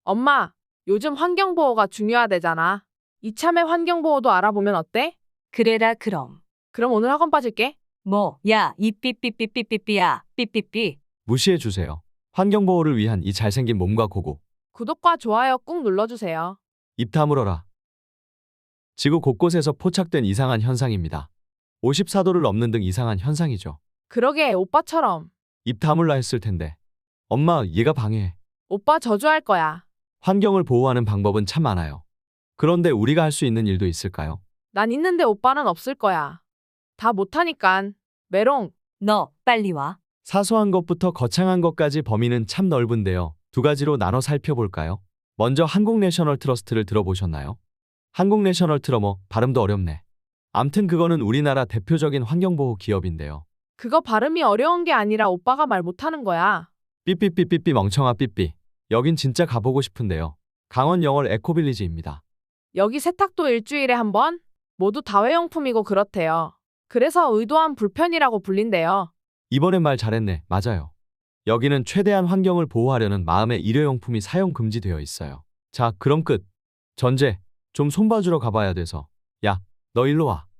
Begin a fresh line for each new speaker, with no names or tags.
엄마, 요즘 환경보호가 중요하대잖아. 이참에 환경보호도 알아보면 어때?
그래라 그럼.
그럼 오늘 학원 빠질게.
뭐, 야, 이 삐삐삐삐삐삐야, 삐삐삐.
무시해주세요. 환경보호를 위한 이 잘생긴 몸과 고고.
구독과 좋아요 꾹 눌러주세요.
입 다물어라. 지구 곳곳에서 포착된 이상한 현상입니다. 54도를 넘는 등 이상한 현상이죠.
그러게, 오빠처럼.
입 다물라 했을 텐데. 엄마, 얘가 방해해.
오빠 저주할 거야.
환경을 보호하는 방법은 참 많아요. 그런데 우리가 할 수 있는 일도 있을까요?
난 있는데 오빠는 없을 거야. 다 못하니깐. 메롱.
너, 빨리 와.
사소한 것부터 거창한 것까지 범위는 참 넓은데요. 두 가지로 나눠 살펴볼까요? 먼저 한국내셔널 트러스트를 들어보셨나요? 한국내셔널 트러머, 발음도 어렵네. 암튼 그거는 우리나라 대표적인 환경보호 기업인데요.
그거 발음이 어려운 게 아니라 오빠가 말 못하는 거야.
삐삐삐삐삐 멍청아 삐삐. 여긴 진짜 가보고 싶은데요. 강원 영월 에코빌리지입니다.
여기 세탁도 일주일에 한 번? 모두 다회용품이고 그렇대요. 그래서 의도한 불편이라고 불린대요.
이번엔 말 잘했네. 맞아요. 여기는 최대한 환경을 보호하려는 마음의 일회용품이 사용 금지되어 있어요. 자, 그럼 끝. 전재, 좀 손봐주러 가봐야 돼서. 야, 너 일로 와.